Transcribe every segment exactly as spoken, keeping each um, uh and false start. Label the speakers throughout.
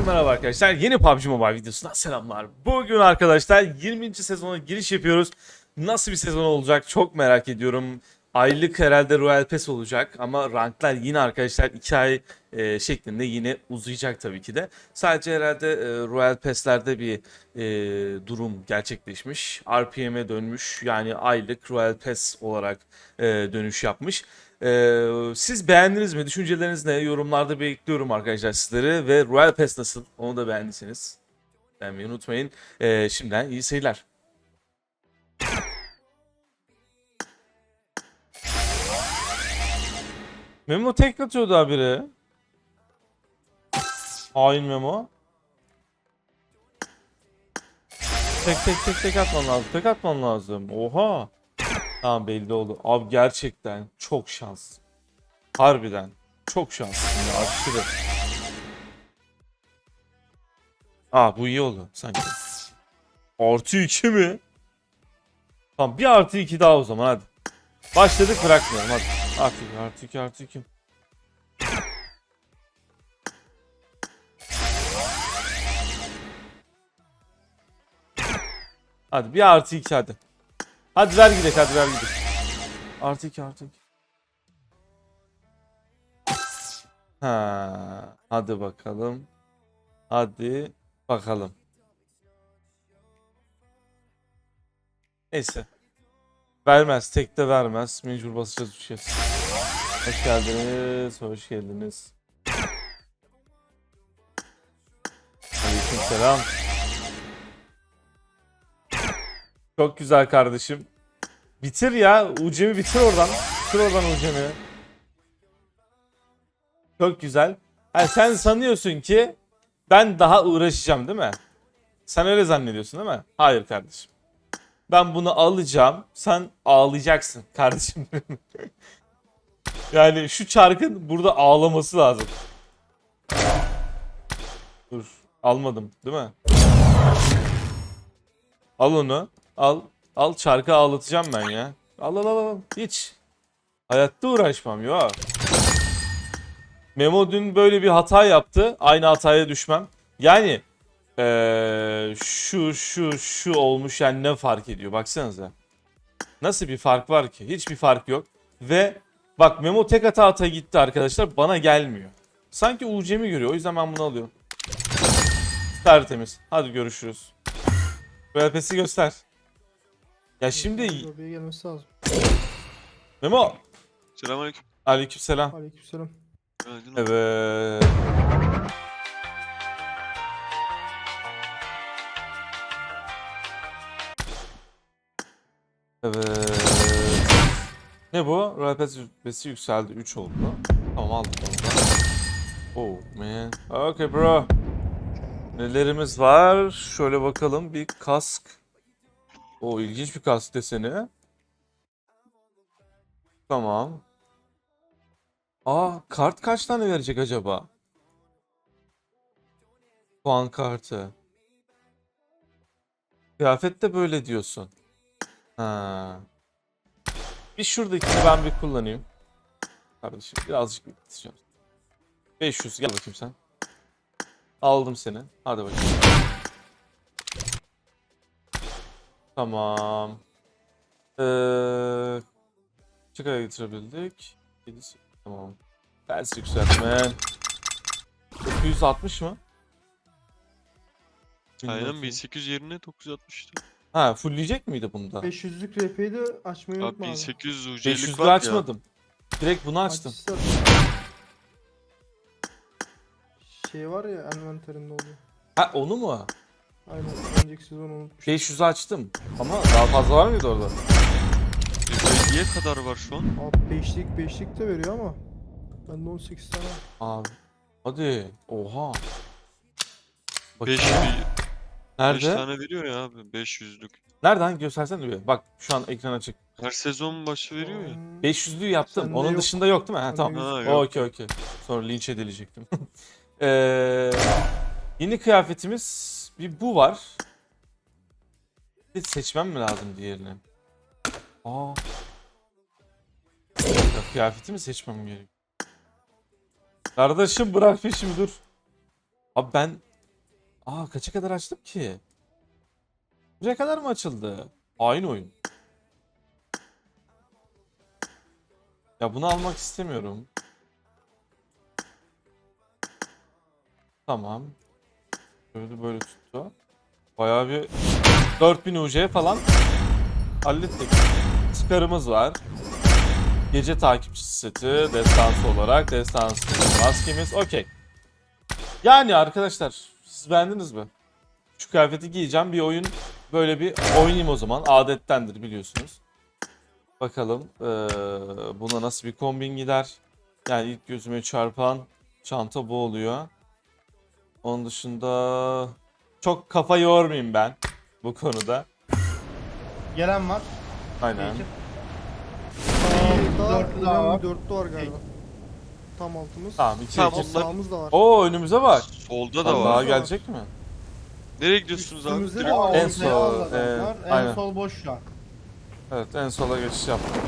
Speaker 1: Herkese merhaba arkadaşlar. Yeni P U B G Mobile videosundan selamlar. Bugün arkadaşlar yirminci sezona giriş yapıyoruz. Nasıl bir sezon olacak çok merak ediyorum. Aylık herhalde Royal Pass olacak ama ranklar yine arkadaşlar iki ay e, şeklinde yine uzayacak tabii ki de. Sadece herhalde e, Royal Pass'lerde bir e, durum gerçekleşmiş. R P M'e dönmüş, yani aylık Royal Pass olarak e, dönüş yapmış. Ee, siz beğendiniz mi? Düşünceleriniz ne? Yorumlarda bekliyorum arkadaşlar sizleri. Ve Royal Pass nasıl? Onu da beğendiyseniz beğenmeyi unutmayın. Ee, şimdiden iyi seyirler. Memo tek atıyordu habire. Hain Memo. Tek tek tek tek atman lazım. Tek atman lazım. Oha. Tamam, belli oldu. Abi gerçekten çok şans. Harbiden. Çok şanslısın ya, aşırı. Aa, bu iyi oldu sanki. Artı iki mi? Tamam, bir artı iki daha o zaman hadi. Başladık, bırakmıyorum hadi. Artı iki artı iki artı iki. Hadi bir artı iki hadi. Hadi ver gidelim, hadi ver gidelim. Artı iki artı iki. Ha, hadi bakalım. Hadi bakalım. Neyse. Vermez. Tek de vermez. Mecbur basacağız, düşeceğiz. Hoş geldiniz. Hoş geldiniz. Aleykümselam. Çok güzel kardeşim. Bitir ya. Ucemi bitir oradan. Bitir oradan Ucemi. Çok güzel. Yani sen sanıyorsun ki ben daha uğraşacağım değil mi? Sen öyle zannediyorsun değil mi? Hayır kardeşim. Ben bunu alacağım. Sen ağlayacaksın kardeşim. Yani şu çarkın burada ağlaması lazım. Dur. Almadım değil mi? Al onu. Al. Al, çarkı ağlatacağım ben ya. Al al al al. Hiç. Hayatta uğraşmam ya. Memo dün böyle bir hata yaptı. Aynı hataya düşmem. Yani ee, şu şu şu olmuş, yani ne fark ediyor? Baksanıza. Nasıl bir fark var ki? Hiçbir fark yok. Ve bak, Memo tek hata ata gitti arkadaşlar. Bana gelmiyor. Sanki U C'mi görüyor. O yüzden ben bunu alıyorum. Tertemiz. Hadi görüşürüz. Royal Pass'i göster. Ya şimdi
Speaker 2: Lobiye gelmesi lazım.
Speaker 1: Memo.
Speaker 3: Selamünaleyküm.
Speaker 1: Aleykümselam.
Speaker 2: Aleykümselam.
Speaker 3: Günaydın.
Speaker 1: Evet. Evet. Ne bu? Royal Pass rütbesi yükseldi. üç oldu. Tamam, aldım onu da. Oh man. Okay bro. Nelerimiz var? Şöyle bakalım. Bir kask. O ilginç bir kask deseni. Tamam. Aa, kart kaç tane verecek acaba? Puan kartı. Kıyafet de böyle diyorsun. Ha. Bir şuradakini ben bir kullanayım. Kardeşim birazcık biteceğim. beş yüz, gel bakayım sen. Aldım seni. Hadi bakayım. Tamam. Ee, çıkaya getirebildik. yedisi. Tamam. Ters yükseltme. dokuz yüz altmış mı?
Speaker 3: Aynen bin sekiz yüz yerine dokuz yüz altmıştı.
Speaker 1: Ha, fullleyecek miydi bunda?
Speaker 2: beş yüzlük R P'yi de açmayı
Speaker 3: Abi
Speaker 2: unutma abi.
Speaker 3: bin sekiz yüz U C'lik
Speaker 1: beş yüzü
Speaker 3: var ya.
Speaker 1: açmadım. Direkt bunu açtım.
Speaker 2: Açsa- Şey var ya, envanterinde oluyor.
Speaker 1: Ha, onu mu?
Speaker 2: Aynen, önceki sezon unutmuş.
Speaker 1: beş yüzü açtım. Ama daha fazla var mıydı orada?
Speaker 3: Niye kadar var şu an?
Speaker 2: Abi beşlik beşlik de veriyor ama. Bende on sekiz tane var.
Speaker 1: Abi. Hadi. Oha.
Speaker 3: beş
Speaker 1: Bakayım. Nerede?
Speaker 3: tane veriyor ya abi, beş yüzlük.
Speaker 1: Nereden? Göstersene bir. Bak şu an ekran açık.
Speaker 3: Her sezon başı veriyor ya.
Speaker 2: Hmm,
Speaker 1: beş yüzlüğü yaptım.
Speaker 2: Sende
Speaker 1: Onun
Speaker 2: yok.
Speaker 1: dışında yok değil mi? Ha,
Speaker 2: Sende
Speaker 1: tamam.
Speaker 2: yok.
Speaker 3: Ha, yok.
Speaker 1: Okey okey. Sonra linç edilecektim. ee, yeni kıyafetimiz bir bu var. Bir seçmem mi lazım diğerini? Aa. Ya, kıyafetimi seçmem gerekiyor. Kardeşim bırak peşimi, dur. Abi ben Aa kaça kadar açtım ki? Buraya kadar mı açıldı? Aynı oyun. Ya bunu almak istemiyorum. Tamam. Böyle böyle tuttu. Bayağı bir dört bin U C falan hallettik. Çıkarımız var. Gece takipçisi seti, destansı olarak, destansı maskemiz, okey. Yani arkadaşlar, siz beğendiniz mi? Şu kıyafeti giyeceğim, bir oyun, böyle bir oynayayım o zaman. Adettendir biliyorsunuz. Bakalım ee, buna nasıl bir kombin gider. Yani ilk gözüme çarpan çanta bu oluyor. Onun dışında çok kafa yormayayım ben bu konuda.
Speaker 4: Gelen var.
Speaker 1: Aynen.
Speaker 4: İki.
Speaker 2: Sağımızda
Speaker 4: Dörtlü daha var.
Speaker 2: dörtlü var galiba. Tam altımız.
Speaker 1: Tamam, iki
Speaker 3: Tamam,
Speaker 1: iki.
Speaker 3: onlar-
Speaker 2: Sağımız da var.
Speaker 1: Oo önümüze bak.
Speaker 3: Solda da
Speaker 1: Daha
Speaker 3: var.
Speaker 1: gelecek mi?
Speaker 3: Nereye gidiyorsunuz abi?
Speaker 2: Üstümüzde de
Speaker 3: Direkt-
Speaker 2: var.
Speaker 1: En
Speaker 4: En
Speaker 1: sol,
Speaker 4: sol.
Speaker 1: e,
Speaker 4: en
Speaker 1: aynen.
Speaker 4: sol boş şu an.
Speaker 1: Evet en sola geçiş yaptım.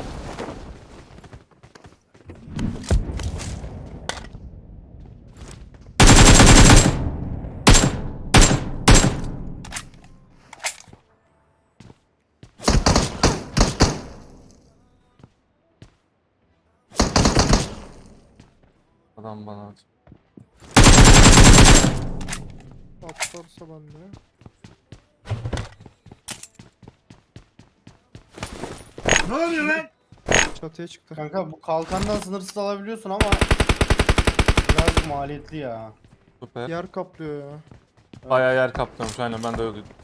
Speaker 1: Adam bana at.
Speaker 2: Atlarsa ben de.
Speaker 4: Ne oluyor lan?
Speaker 2: Çatıya çıktı.
Speaker 4: Kanka bu kalkandan sınırsız alabiliyorsun ama biraz maliyetli ya.
Speaker 1: Süper.
Speaker 2: Yer kaplıyor ya.
Speaker 1: Bayağı yer kaplamış aynen ben de öyle duydum.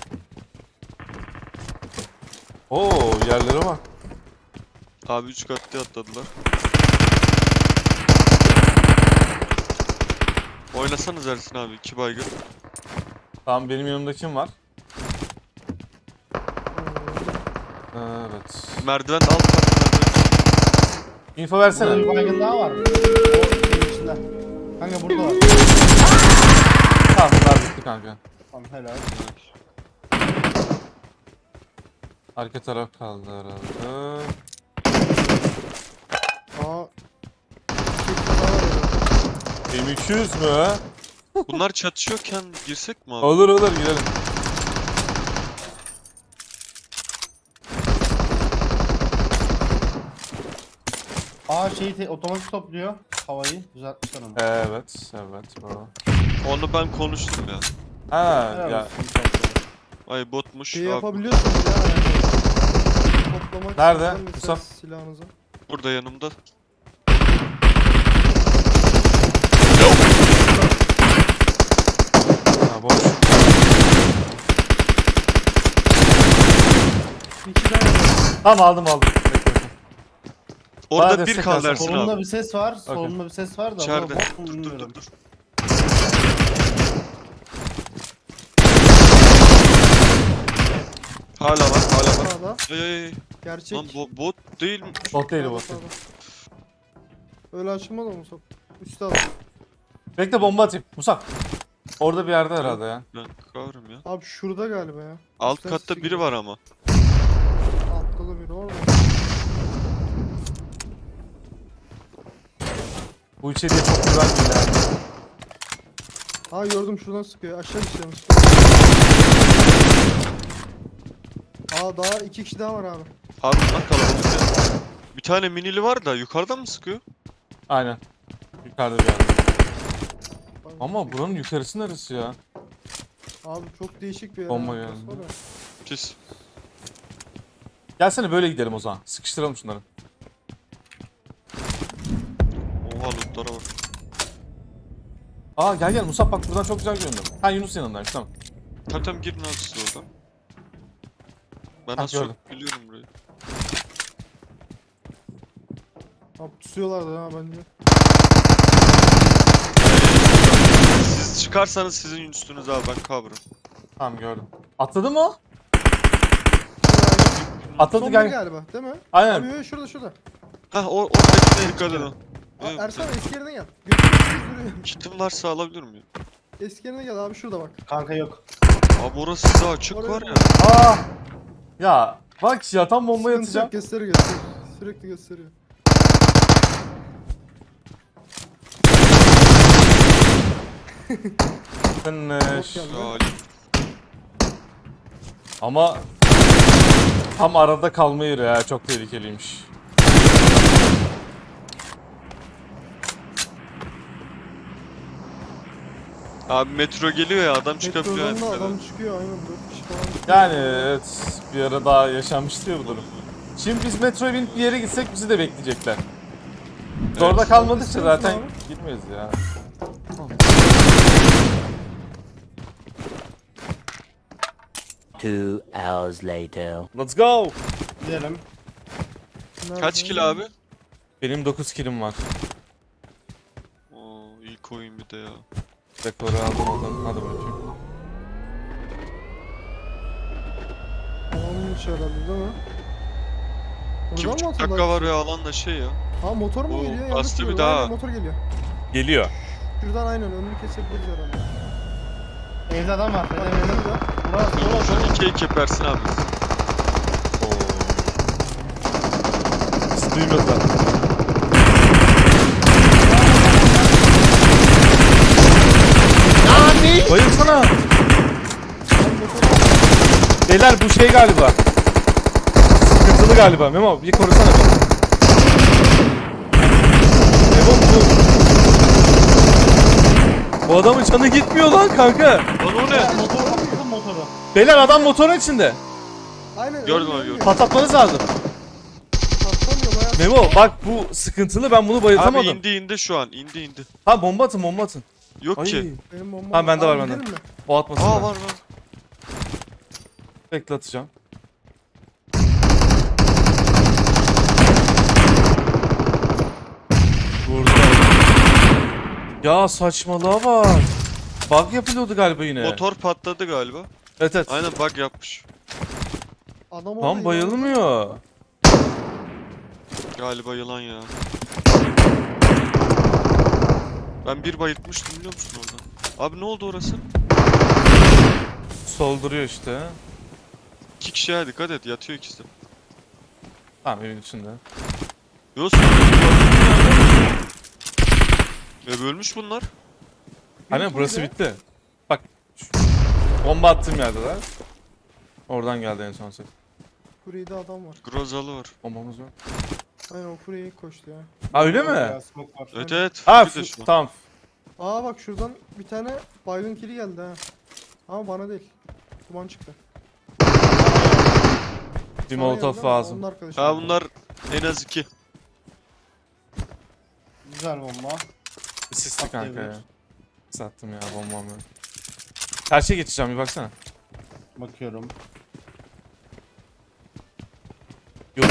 Speaker 1: Oo yerlere bak.
Speaker 3: Abi üç katlı atladılar. Oynasanız Ersin abi, iki baygın.
Speaker 1: Tamam benim yanımda kim var? Evet.
Speaker 3: Merdiven alt kat merdiven.
Speaker 1: Info
Speaker 4: Burada
Speaker 1: versene.
Speaker 4: bir baygın daha var. O şeyin içinde. Kanka burada var.
Speaker 1: Tamam bunlar bitti kanka.
Speaker 4: Tamam helal.
Speaker 1: Arka taraf kaldı herhalde.
Speaker 2: Aa. Bir daha var ya.
Speaker 1: M iki yüz mü?
Speaker 3: Bunlar çatışıyorken girsek mi abi?
Speaker 1: Olur olur girelim.
Speaker 4: Aa şeyi te- otomatik topluyor havayı. Düzeltmişler onu.
Speaker 1: Evet evet bro.
Speaker 3: Onu ben konuştum ya.
Speaker 1: Ha
Speaker 4: Helal
Speaker 1: ya
Speaker 4: olsun, topluyor.
Speaker 3: Ay botmuş
Speaker 2: Şey
Speaker 3: abi.
Speaker 2: yapabiliyorsunuz ya. Yani. Toplamak
Speaker 1: Nerede?
Speaker 2: istiyorsan mesela
Speaker 1: Musab?
Speaker 2: silahınızı.
Speaker 3: Burada yanımda.
Speaker 1: ha boş.
Speaker 2: İki tane var.
Speaker 1: Tamam aldım aldım. Bekle, bekle. Bana
Speaker 3: Orada bir
Speaker 1: destek
Speaker 3: kaldı
Speaker 1: versen.
Speaker 3: Ersin
Speaker 4: Solunda
Speaker 3: abi.
Speaker 4: bir ses var. Solunda bir ses var da. bu
Speaker 3: İçeride.
Speaker 4: bot mu
Speaker 3: Dur dur
Speaker 4: bilmiyorum.
Speaker 3: dur dur. Hala var, hala var.
Speaker 2: Sağda.
Speaker 3: Ay ay ay.
Speaker 2: Gerçek.
Speaker 3: Lan bo bot değil mi?
Speaker 1: Bot değil
Speaker 2: Sağda,
Speaker 1: bot.
Speaker 2: sağda. Öyle açılmadı mı Musab? Üstte al.
Speaker 1: Bekle bomba atayım. Musab. Orada bir yerde herhalde ya.
Speaker 3: Ben kavrım ya.
Speaker 2: Abi şurada galiba ya.
Speaker 3: Alt
Speaker 2: Üstten
Speaker 3: katta
Speaker 2: sesi
Speaker 3: biri var ama.
Speaker 2: Altta da biri var mı?
Speaker 1: Bu içeriye çok güzel değil ya.
Speaker 2: Aa gördüm şuradan sıkıyor. Aşağı düşüyor. Aa daha iki kişi daha var abi.
Speaker 3: Harbi lan kalabalık ya. Bir tane minili var da yukarıdan mı sıkıyor?
Speaker 1: Aynen. Yukarıda bir yerde.
Speaker 2: Bak,
Speaker 1: Ama buranın yukarısı neresi ya?
Speaker 2: Abi çok değişik bir yer.
Speaker 1: Bomba
Speaker 2: ha,
Speaker 1: geldi.
Speaker 2: burası var ya.
Speaker 3: Pis.
Speaker 1: Gelsene böyle gidelim o zaman. Sıkıştıralım şunları.
Speaker 3: Oha lootlara bak.
Speaker 1: Aa gel gel Musab bak buradan çok güzel görünüyor. Ha Yunus yanındaymış tamam.
Speaker 3: Tamam tamam girin abi siz oradan. Ben
Speaker 1: Ha,
Speaker 3: az
Speaker 1: gördüm.
Speaker 3: çok biliyorum burayı.
Speaker 2: Abi tutuyorlardı ha bence.
Speaker 3: Siz çıkarsanız sizin üstünüz abi, ben kavrım.
Speaker 1: Tamam gördüm. Atladı mı o? Atladı
Speaker 2: Son
Speaker 1: gel.
Speaker 2: biri galiba değil mi?
Speaker 1: Aynen.
Speaker 2: Abi yok, şurada şurada.
Speaker 3: Hah o oradakine dikkat edin.
Speaker 2: Aa,
Speaker 3: Evet,
Speaker 2: Ersan eski yerine gel. Götürüyoruz duruyor.
Speaker 3: kitim varsa alabilir miyim?
Speaker 2: Eski yerine gel abi şurada bak.
Speaker 4: Kanka yok.
Speaker 3: Abi orası size açık
Speaker 2: Oraya
Speaker 3: var ya.
Speaker 1: Aa! Ya bak ya tam bomba
Speaker 2: Sıkıntı
Speaker 1: atacağım.
Speaker 2: yok, gösteriyor gösteriyor. Sürekli gösteriyor.
Speaker 1: Finish.
Speaker 2: geldi.
Speaker 3: Salih.
Speaker 1: Ama tam arada kalma yeri ya, çok tehlikeliymiş.
Speaker 3: Abi metro geliyor ya adam çıkabiliyor
Speaker 2: Metrodan da
Speaker 3: yani.
Speaker 2: adam çıkıyor aynen dört kişi falan. çıkıyor.
Speaker 1: Yani evet, bir ara daha yaşanmıştı ya bu durum. Şimdi biz metroya binip bir yere gitsek bizi de bekleyecekler. Biz orada kalmadıkça
Speaker 2: İstiyor
Speaker 1: zaten
Speaker 2: musun
Speaker 1: gitmeyiz ya.
Speaker 5: Two hours later.
Speaker 1: Let's go.
Speaker 4: Gidelim.
Speaker 3: Kaç
Speaker 2: Nerede?
Speaker 3: kill abi?
Speaker 1: Benim dokuz killim var.
Speaker 3: Oo ilk oyun bir de ya.
Speaker 1: Rekoru aldım oradan. Hadi bakayım.
Speaker 2: Alanmış herhalde değil mi?
Speaker 3: İki
Speaker 2: Buradan mı
Speaker 3: buçuk
Speaker 2: atıyorlar?
Speaker 3: dakika var ya alan da şey ya.
Speaker 2: Ha motor mu
Speaker 3: Oo,
Speaker 2: geliyor? Yanlış
Speaker 3: bastı bir
Speaker 2: biliyorum.
Speaker 3: daha.
Speaker 2: Aynen, motor geliyor.
Speaker 1: Geliyor.
Speaker 2: Şuradan aynen önünü kesebiliriz herhalde.
Speaker 4: Evde adam var.
Speaker 2: Bak
Speaker 4: Evde evde.
Speaker 2: burada.
Speaker 4: Burası
Speaker 3: Dur
Speaker 4: burası.
Speaker 3: şöyle iki iki yaparsın abi.
Speaker 1: Oo. Bizi duymadılar. Bayılsana. Beyler bu şey galiba. Sıkıntılı galiba. Memo bir korusana beni. Memo bu. Bu adamın canı gitmiyor lan kanka.
Speaker 3: Lan o ne?
Speaker 4: Motor bakın motoru.
Speaker 1: Beyler adam motorun içinde.
Speaker 2: Aynen.
Speaker 3: Gördüm
Speaker 2: önünde,
Speaker 3: abi, gördüm.
Speaker 2: önünde.
Speaker 1: Patlatmanız lazım.
Speaker 2: Patlamıyor bayağı.
Speaker 1: Memo bak bu sıkıntılı, ben bunu
Speaker 3: Abi
Speaker 1: bayıltamadım.
Speaker 3: indi indi şu an indi indi.
Speaker 1: Ha bomba atın bomba atın.
Speaker 3: Yok
Speaker 1: Ay.
Speaker 3: ki.
Speaker 2: Benim bombam.
Speaker 1: Ha, bende var,
Speaker 2: Abi,
Speaker 1: bende.
Speaker 2: gidelim mi?
Speaker 1: O atmasın.
Speaker 3: Aa
Speaker 1: ben.
Speaker 3: var var.
Speaker 1: Bekle atacağım. Vurdu. Ya saçmalığa bak. Bug yapılıyordu galiba yine.
Speaker 3: Motor patladı galiba.
Speaker 1: Evet evet.
Speaker 3: Aynen bug yapmış.
Speaker 2: Adam orada
Speaker 1: Tam
Speaker 2: ya.
Speaker 1: bayılmıyor.
Speaker 3: Galiba yılan ya. Ben bir bayıltmıştım biliyor musun oradan? Abi ne oldu orası?
Speaker 1: Solduruyor işte.
Speaker 3: İki kişiye dikkat et yatıyor ikisi de.
Speaker 1: Tamam evin içinde.
Speaker 3: Yok sonra Ve bölmüş bunlar.
Speaker 1: Hani burası
Speaker 2: ya.
Speaker 1: bitti. Bak. şu- Bomba attığım yerdeler. Oradan geldi en son ses.
Speaker 2: Kurye'de adam var.
Speaker 3: Grozalı var.
Speaker 1: Bombamız var.
Speaker 2: Aynen o Kurye'yi koştu ya.
Speaker 1: Ha öyle mi?
Speaker 4: Ya, smoke var.
Speaker 3: Evet evet.
Speaker 1: Ha
Speaker 3: bir de şu an.
Speaker 1: tamam.
Speaker 2: Aa bak şuradan bir tane baygın kili geldi ha. Ama bana değil. Duman çıktı.
Speaker 1: Bir
Speaker 2: Sana
Speaker 1: molotof
Speaker 2: geldi ama
Speaker 1: lazım.
Speaker 2: onun arkadaşı.
Speaker 3: Ha bunlar en az iki.
Speaker 4: Güzel bomba.
Speaker 1: Bir sisli kanka ya.
Speaker 4: Atlayabilir.
Speaker 1: Sattım ya bombam ya. Karşıya geçeceğim bir baksana.
Speaker 4: Bakıyorum.
Speaker 1: Yok.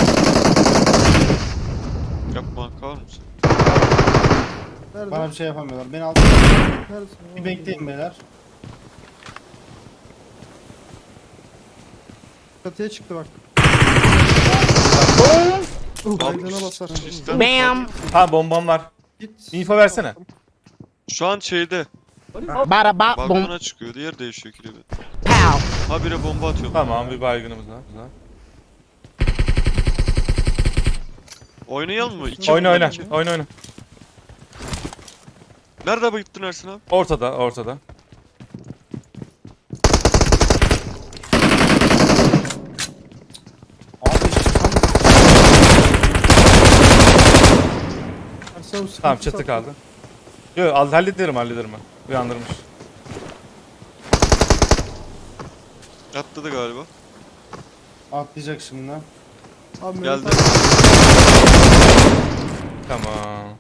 Speaker 3: Yapma kal mısın?
Speaker 2: Nerede?
Speaker 4: Bana bir şey yapamıyorlar. Beni aldı.
Speaker 2: Neredesin?
Speaker 4: Bir bekleyin beyler.
Speaker 2: Çatıya çıktı bak.
Speaker 3: Abi,
Speaker 2: Baygına basar.
Speaker 3: sistem-
Speaker 5: Bam!
Speaker 1: Ha bombam var.
Speaker 2: Git.
Speaker 1: İnfo versene.
Speaker 3: Şu an şeyde.
Speaker 5: Bada bop boom.
Speaker 3: Balkona çıkıyor. Diğer değişiyor kilidi.
Speaker 5: Pow!
Speaker 3: Habire bomba atıyor.
Speaker 1: Tamam bir baygınımız var. Güzel.
Speaker 3: Oynayalım mı? İki
Speaker 1: Oyna oyna.
Speaker 3: iki.
Speaker 1: Oyna oyna.
Speaker 3: Nerede bayıttın Ersin abi?
Speaker 1: Ortada ortada.
Speaker 4: Abi çıkan
Speaker 2: Ersan, o sıkıntı
Speaker 1: Tamam çatı
Speaker 2: sattı.
Speaker 1: kaldı. Yok al- hallederim hallederim ben. Uyandırmış.
Speaker 3: Atladı galiba.
Speaker 4: atlayacak şimdi.
Speaker 2: Abi
Speaker 3: Geldi.
Speaker 2: Mehmet
Speaker 1: Tamam.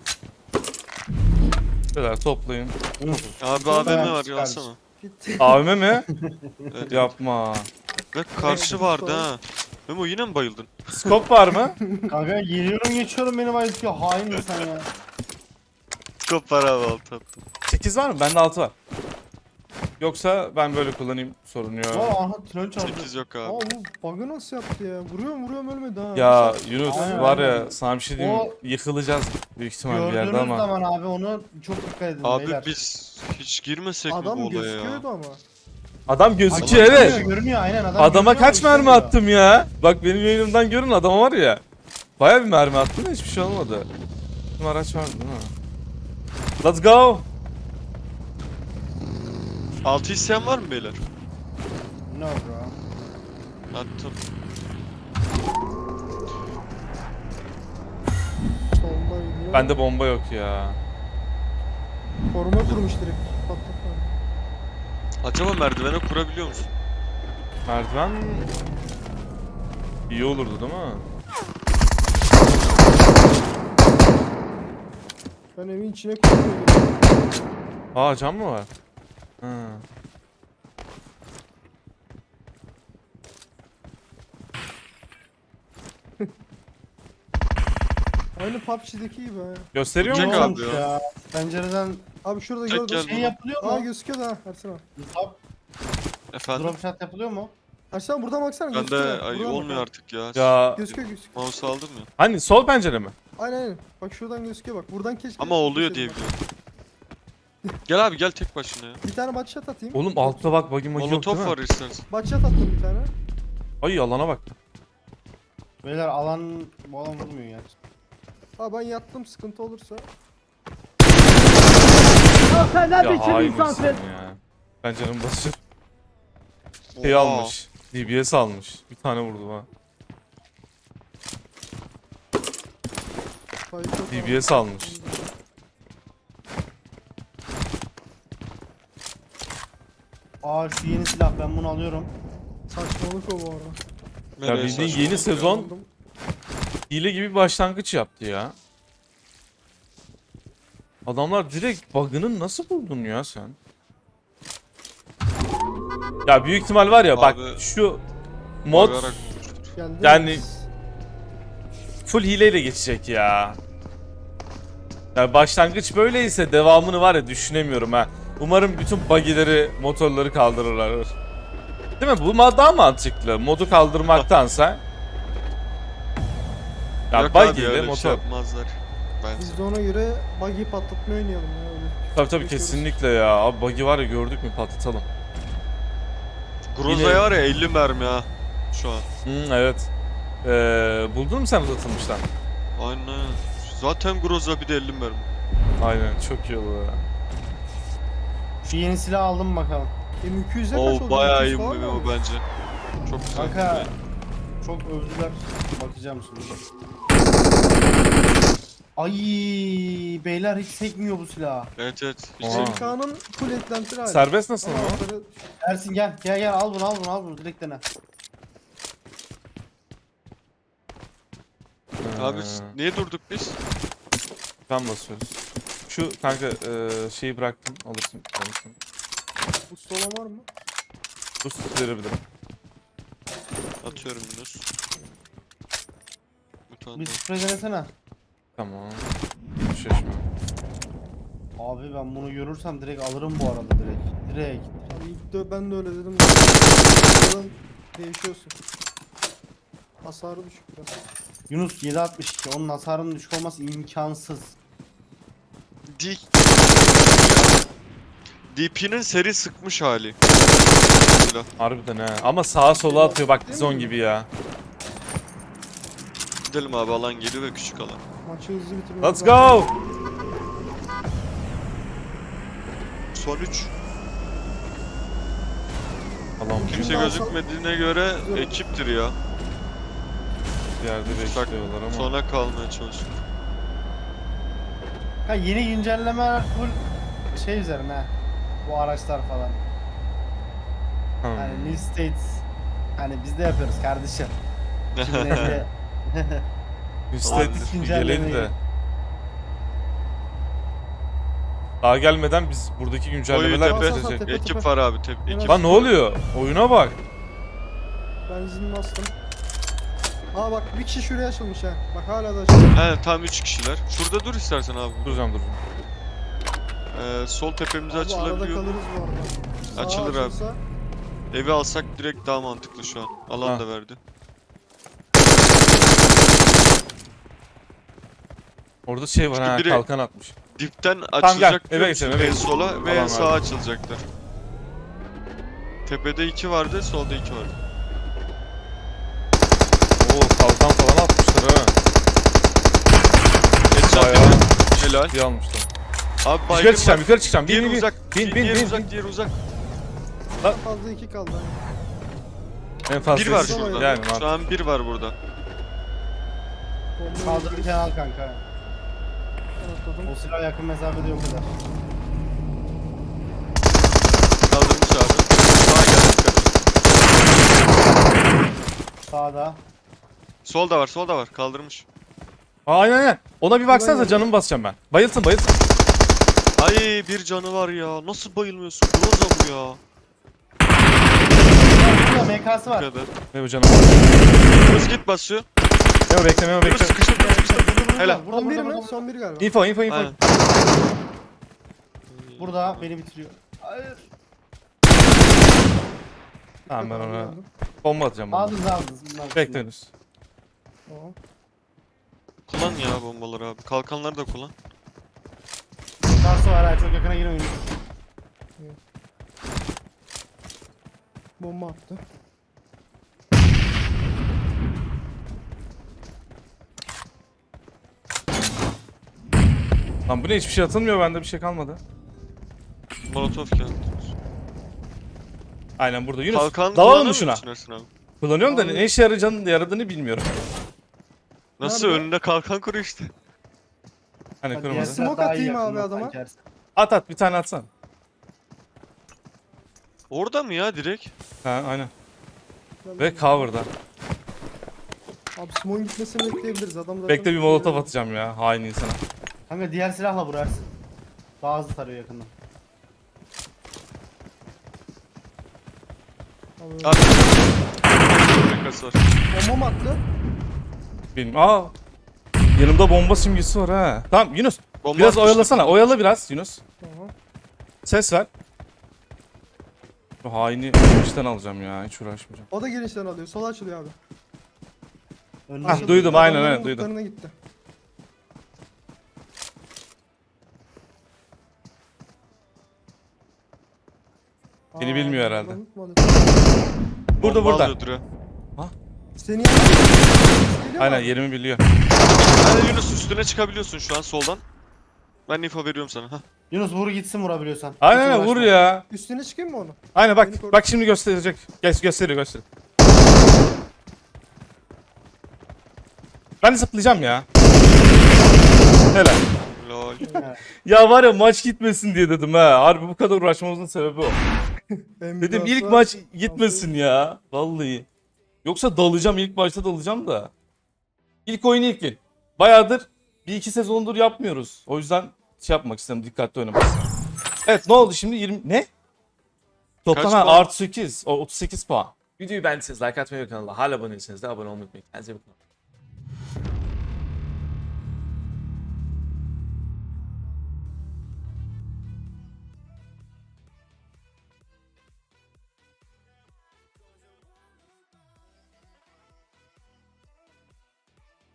Speaker 1: Beyler toplayın.
Speaker 3: Abi
Speaker 4: Çok
Speaker 3: A V M
Speaker 4: beğenmiş
Speaker 3: var
Speaker 4: kardeşim.
Speaker 3: alsana.
Speaker 2: abi gitti.
Speaker 1: A V M mi?
Speaker 3: Evet.
Speaker 1: Yapma.
Speaker 3: Ve karşı
Speaker 2: Evet.
Speaker 3: vardı ha. Memo yine mi bayıldın?
Speaker 1: Skop var mı?
Speaker 4: Kanka geliyorum geçiyorum beni bayıltıyor. Hain insan ya.
Speaker 3: Top var abi alt attım.
Speaker 1: sekiz var mı? Bende altı var. Yoksa ben böyle kullanayım sorun yok.
Speaker 4: Aa aha tren çarptı.
Speaker 3: sekiz yok
Speaker 2: Aa
Speaker 3: abi.
Speaker 2: bu bug'ı nasıl yaptı ya? Vuruyorum vuruyorum ölmedi ha.
Speaker 1: Ya
Speaker 2: Nasıl-
Speaker 1: Yunus
Speaker 4: Aynen,
Speaker 1: var ya
Speaker 4: aynen.
Speaker 1: sana bir şey diyeyim mi?
Speaker 4: O-
Speaker 1: Yıkılacağız büyük ihtimal bir yerde
Speaker 4: Gördüğünüz
Speaker 1: ama.
Speaker 4: zaman abi onu çok dikkat edin
Speaker 3: Abi
Speaker 4: beyler.
Speaker 3: biz hiç girmesek mi
Speaker 2: Adam
Speaker 3: bu olaya ya?
Speaker 2: gözüküyordu ama.
Speaker 1: Adam
Speaker 4: Ay,
Speaker 1: gözüküyor
Speaker 4: görünüyor,
Speaker 1: evet.
Speaker 4: Görünüyor aynen adam
Speaker 1: Adama
Speaker 4: görünüyor
Speaker 1: kaç
Speaker 4: ama
Speaker 1: mermi
Speaker 4: işlemiyor.
Speaker 1: attım ya? Bak benim yayınımdan görün adama var ya. Baya bir mermi attım da hiçbir şey olmadı. Bizim araç vardı değil mi? Let's go.
Speaker 3: Altı isteyen var mı beyler?
Speaker 4: Ne oldu ya?
Speaker 3: Attım.
Speaker 2: Solda gidiyor.
Speaker 1: Bende bomba yok ya.
Speaker 2: Koruma kurmuş direkt. Patlatma.
Speaker 3: Acaba merdivene kurabiliyor musun?
Speaker 1: Merdiven iyi olurdu değil mi?
Speaker 2: Ben evin içine koyuyorum.
Speaker 1: Aa cam mı var? Ha.
Speaker 2: Aynı P U B G'deki gibi ha.
Speaker 1: Gösteriyor
Speaker 3: Çek
Speaker 1: mu?
Speaker 4: Ne
Speaker 3: abi
Speaker 4: olmuş
Speaker 3: ya.
Speaker 4: ya? Pencereden
Speaker 2: Abi şurada
Speaker 3: Çek
Speaker 2: gördüm.
Speaker 3: gel.
Speaker 4: şey yapılıyor
Speaker 2: Aa
Speaker 4: mu?
Speaker 2: gözüküyor da ha Ersin abi.
Speaker 4: Drop,
Speaker 3: Efendim?
Speaker 4: drop shot yapılıyor mu?
Speaker 2: Ersin abi buradan baksana
Speaker 3: Bende
Speaker 2: gözüküyor.
Speaker 3: ay,
Speaker 2: Buradan bak
Speaker 3: olmuyor
Speaker 2: abi.
Speaker 3: artık ya.
Speaker 1: Ya
Speaker 2: Gözüküyor gözüküyor.
Speaker 3: Mouse aldım ya.
Speaker 1: hani sol pencere mi?
Speaker 2: Aynen aynen. Bak şuradan gözüküyor bak. Buradan keşke.
Speaker 3: Ama oluyor diye
Speaker 2: geçelim bak.
Speaker 3: biliyorum. Gel abi gel tek başına ya.
Speaker 2: Bir tane batshot atayım.
Speaker 1: Oğlum altta bak buggy magi yok değil
Speaker 3: Molotof
Speaker 1: mi?
Speaker 3: var istersen.
Speaker 2: Batshot attım bir tane.
Speaker 1: Ay alana bak.
Speaker 4: Beyler alan bu alan vurmuyor ya.
Speaker 2: Aa ben yattım sıkıntı olursa.
Speaker 1: Ya hainsin ya. Pencerenin başı şey
Speaker 3: Oha.
Speaker 1: almış. D B S almış. Bir tane vurdu ha.
Speaker 2: Fight yok
Speaker 1: D
Speaker 2: abi.
Speaker 1: B S almış.
Speaker 4: Aa şu yeni silah ben bunu alıyorum.
Speaker 2: Saçmalık o bu arada.
Speaker 1: Ya
Speaker 3: Nereye
Speaker 1: bildiğin
Speaker 3: saçma?
Speaker 1: yeni sezon
Speaker 2: Aldım.
Speaker 1: hile gibi bir başlangıç yaptı ya. Adamlar direkt bug'ını nasıl buldun ya sen? Ya büyük ihtimal var ya bak
Speaker 3: Abi,
Speaker 1: şu mod
Speaker 3: Bagarak-
Speaker 2: Geldi.
Speaker 1: Yani- full hileyle geçecek ya. Yani başlangıç böyleyse devamını var ya düşünemiyorum ha. Umarım bütün buggy'leri, motorları kaldırırlar. Değil mi? Bu ma- daha mantıklı. Modu kaldırmaktansa. Ya
Speaker 3: Yok abi
Speaker 1: buggy ile
Speaker 3: öyle bir
Speaker 1: motor.
Speaker 3: şey yapmazlar. Ben
Speaker 2: Biz de ona göre buggy patlatma oynayalım ya öyle.
Speaker 1: Tabii tabii
Speaker 2: Geçiyoruz.
Speaker 1: kesinlikle ya. Abi buggy var ya gördük mü patlatalım.
Speaker 3: Groza'ya var ya elli mermi ha. Şu an.
Speaker 1: Hı, evet. Ee, buldun mu sen uzatılmıştan?
Speaker 3: Aynen. Zaten Groza bir de elli mermi.
Speaker 1: Aynen çok iyi olur ya.
Speaker 4: Şu yeni silah aldım bakalım.
Speaker 2: M iki yüze kaç oldu?
Speaker 3: Oo bayağı iyi
Speaker 2: iki yüz falan
Speaker 3: bu
Speaker 2: mı?
Speaker 3: bu bence. Çok güzel.
Speaker 4: Kanka çok övdüler. Bakacağım şimdi. Ay beyler hiç sekmiyor bu silah.
Speaker 3: Evet evet. Hiç
Speaker 1: Oha.
Speaker 3: değil.
Speaker 2: M K'nın full eklenti hali.
Speaker 1: Serbest nasıl
Speaker 2: Ama
Speaker 1: ama?
Speaker 2: altları-
Speaker 4: Ersin gel gel gel al bunu al bunu al bunu direkt dene.
Speaker 3: Abi
Speaker 1: Ee,
Speaker 3: niye durduk biz?
Speaker 1: ben basıyoruz. Şu kanka e, şeyi bıraktım alırsın. alırsın.
Speaker 2: Bu sola var mı?
Speaker 1: Dur verebilirim.
Speaker 3: Atıyorum Yunus. Bir tane
Speaker 4: Bir
Speaker 3: daha.
Speaker 4: sprey denesene.
Speaker 1: Tamam. Şaşma.
Speaker 4: Abi ben bunu görürsem direkt alırım bu arada direkt. Direkt.
Speaker 2: Abi ilk de ben de öyle dedim. Buradan değişiyorsun. Hasarı düşük biraz.
Speaker 4: Yunus yedi altmış iki onun hasarının düşük olması imkansız.
Speaker 3: D... D P'nin seri sıkmış hali. Silah.
Speaker 1: Harbiden ha. Ama sağa sola atıyor bak Dizon gibi ya.
Speaker 3: Gidelim abi alan geliyor ve küçük alan.
Speaker 2: Maçı hızlı bitirmek
Speaker 1: Let's
Speaker 2: lazım.
Speaker 1: go.
Speaker 3: Son üç.
Speaker 1: Tamam.
Speaker 3: Kimse
Speaker 2: Şimdi
Speaker 3: gözükmediğine göre
Speaker 2: Güzel.
Speaker 3: ekiptir ya.
Speaker 1: Bir yerde
Speaker 3: Bak
Speaker 1: bekliyorlar ama.
Speaker 3: sona kalmaya çalışıyor.
Speaker 4: Ha yeni güncelleme full şey üzerine. Bu araçlar falan.
Speaker 1: Hmm.
Speaker 4: Hani New States. Hani biz de yapıyoruz kardeşim. Şimdi neyse.
Speaker 1: Üstelik
Speaker 3: Olabilir.
Speaker 1: bir gelin de. Daha gelmeden biz buradaki
Speaker 3: Oyu
Speaker 1: güncellemeler
Speaker 3: tepe.
Speaker 2: Sağ, sağ,
Speaker 1: bitecek.
Speaker 2: tepe.
Speaker 3: Ekip var abi tep ekip.
Speaker 1: Lan ne oluyor? Oyuna bak.
Speaker 2: Benzin bastım. Aa bak bir kişi şuraya açılmış ha. Bak hala da açılmış.
Speaker 3: He tam üç kişiler. Şurada dur istersen abi.
Speaker 1: Duracağım duracağım.
Speaker 3: Ee, sol tepemize
Speaker 2: Abi arada
Speaker 3: açılabiliyor.
Speaker 2: kalırız bu arada. Sağa
Speaker 3: Açılır abi.
Speaker 2: açılsa-
Speaker 3: Evi alsak direkt daha mantıklı şu an. Alan
Speaker 1: Ha.
Speaker 3: da verdi.
Speaker 1: Orada şey var
Speaker 3: Çünkü
Speaker 1: ha
Speaker 3: biri-
Speaker 1: kalkan atmış.
Speaker 3: Dipten
Speaker 1: gel,
Speaker 3: açılacak
Speaker 1: eve
Speaker 3: biliyor
Speaker 1: geçelim,
Speaker 3: musun?
Speaker 1: eve
Speaker 3: En
Speaker 1: geçelim.
Speaker 3: sola ve en
Speaker 1: Alan
Speaker 3: sağa
Speaker 1: verdi.
Speaker 3: açılacaklar. Tepede iki vardı, solda iki vardı.
Speaker 1: Oo kalkan falan atmışlar ha.
Speaker 3: Headshot
Speaker 1: Bayağı
Speaker 3: yedi. Helal.
Speaker 1: ciddiye almışlar.
Speaker 3: Abi
Speaker 1: Yukarı
Speaker 3: baygın
Speaker 1: çıkacağım
Speaker 3: var.
Speaker 1: yukarı çıkacağım. Bin
Speaker 3: Diğeri
Speaker 1: bin bin.
Speaker 3: uzak.
Speaker 1: Bin bin
Speaker 3: diğeri
Speaker 1: bin.
Speaker 3: uzak,
Speaker 1: bin.
Speaker 3: diğeri uzak.
Speaker 2: En fazla iki kaldı.
Speaker 1: En fazla
Speaker 3: Bir var
Speaker 1: ikisi.
Speaker 3: şurada.
Speaker 1: Yani
Speaker 3: Şu
Speaker 1: mantıklı.
Speaker 3: an bir var burada.
Speaker 2: Bombayı
Speaker 4: Kaldırırken al kanka.
Speaker 2: atladım.
Speaker 4: O silah yakın mesafede yok eder.
Speaker 3: Kaldırmış abi. Sağa gel.
Speaker 4: Sağda.
Speaker 3: Sol da var, sol da var. Kaldırmış.
Speaker 1: Aa, aynen aynen. Ona bir baksanıza, canımı basacağım ben. Bayılsın bayılsın.
Speaker 3: Ay bir canı var ya. Nasıl bayılmıyorsun? Groza bu ya.
Speaker 4: Burada M K'sı
Speaker 3: Bu
Speaker 4: var.
Speaker 3: kadar.
Speaker 1: Ne bu canım?
Speaker 3: Hız git basıyor.
Speaker 1: Ne o, bekle ne o,
Speaker 3: Dur
Speaker 1: bekle.
Speaker 3: sıkıştır, dur sıkıştır. Helal.
Speaker 4: Burada
Speaker 2: Son biri
Speaker 4: burada
Speaker 2: mi?
Speaker 4: burada.
Speaker 2: Son biri galiba.
Speaker 1: Info info info.
Speaker 3: Aynen.
Speaker 4: Burada beni bitiriyor. Hayır.
Speaker 1: Tamam ben ona
Speaker 2: Aldım.
Speaker 1: bomba atacağım. Bomba.
Speaker 4: Aldınız aldınız. Bunlar
Speaker 1: Bekle henüz.
Speaker 2: Tamam.
Speaker 3: Kullan ya bombaları abi. Kalkanları da kullan.
Speaker 4: Karşı var ha, çok yakına girmeyin.
Speaker 2: Bomba attı.
Speaker 1: Lan bu ne, hiçbir şey atılmıyor, bende bir şey kalmadı.
Speaker 3: Molotov geldi.
Speaker 1: Aynen burada. Yunus
Speaker 3: Kalkan
Speaker 1: dalalım
Speaker 3: kullanır
Speaker 1: mı şuna?
Speaker 3: mısın Ersin abi?
Speaker 1: Kullanıyorum da
Speaker 2: Abi.
Speaker 1: ne işe yarayacağını, yaradığını bilmiyorum.
Speaker 3: Nasıl
Speaker 2: Nerede?
Speaker 3: önünde kalkan kuruyor işte.
Speaker 1: Hani
Speaker 4: Hadi
Speaker 1: kırmızı.
Speaker 4: diğer
Speaker 2: Smoke
Speaker 4: silah daha iyi
Speaker 2: atayım abi
Speaker 4: yakında
Speaker 2: adama.
Speaker 4: sanki.
Speaker 1: At at, bir tane atsan.
Speaker 3: Orada mı ya direkt?
Speaker 1: Ha aynen.
Speaker 2: Ben-
Speaker 1: Ve cover'da.
Speaker 2: Abi Simon gitmesini bekleyebiliriz. Adam zaten...
Speaker 1: Bekle, bir molotof atacağım ya, hain insana.
Speaker 4: Kanka diğer silahla vur Ersin. Daha hızlı tarıyor yakından.
Speaker 2: Abi,
Speaker 3: Abi. Rekası var.
Speaker 2: bomba mı attı?
Speaker 1: Bilmiyorum. Aa. Yanımda bomba simgesi var ha. Tamam Yunus.
Speaker 3: Bomba
Speaker 1: Biraz
Speaker 3: atmıştım.
Speaker 1: oyalasana. Oyala biraz Yunus.
Speaker 2: Tamam.
Speaker 1: Ses ver. Bu haini işten alacağım ya. Hiç uğraşmayacağım.
Speaker 2: O da girişten alıyor. Sola açılıyor abi.
Speaker 4: Önüne
Speaker 1: Ah,
Speaker 4: çık.
Speaker 1: duydum, aynen,
Speaker 2: Adamların
Speaker 1: aynen, duydum.
Speaker 2: lootlarına gitti.
Speaker 1: Seni
Speaker 2: Aa,
Speaker 1: bilmiyor herhalde.
Speaker 2: adam unutmadı.
Speaker 1: Burada
Speaker 3: Bomba
Speaker 1: burada.
Speaker 3: alıyordur ya.
Speaker 2: Seni yanına geliyor mu
Speaker 1: Aynen,
Speaker 2: abi?
Speaker 1: yerimi biliyor.
Speaker 3: Hadi Yunus üstüne çıkabiliyorsun şu an soldan. Ben info veriyorum sana. Hah.
Speaker 4: Yunus vur gitsin vurabiliyorsan.
Speaker 1: Aynen
Speaker 4: Hiç
Speaker 1: aynen, vur
Speaker 4: uğraşma.
Speaker 1: ya.
Speaker 2: Üstüne çıkayım mı onu?
Speaker 1: Aynen
Speaker 2: Beni
Speaker 1: bak.
Speaker 2: koru.
Speaker 1: Bak şimdi gösterecek. Gel gösteriyor gösteriyor. Ben zıplayacağım ya. Helal.
Speaker 3: Lol.
Speaker 4: Evet.
Speaker 1: Ya var ya, maç gitmesin diye dedim ha. Harbi bu kadar uğraşmamızın sebebi o. Dedim ilk maç gitmesin ya. Vallahi. Yoksa dalacağım, ilk başta dalacağım da. İlk oyun ilk gün. Bayağıdır bir iki sezondur yapmıyoruz. O yüzden şey yapmak istedim, dikkatli oynamak istedim. Evet, ne oldu şimdi? yirmi ne? Toplam
Speaker 3: Kaç
Speaker 1: ha,
Speaker 3: puan?
Speaker 1: artı sekiz. O otuz sekiz puan. Videoyu beğendiyseniz like atmayı ve kanala hala abone değilseniz de abone olmayı unutmayın. Kendinize iyi bakın.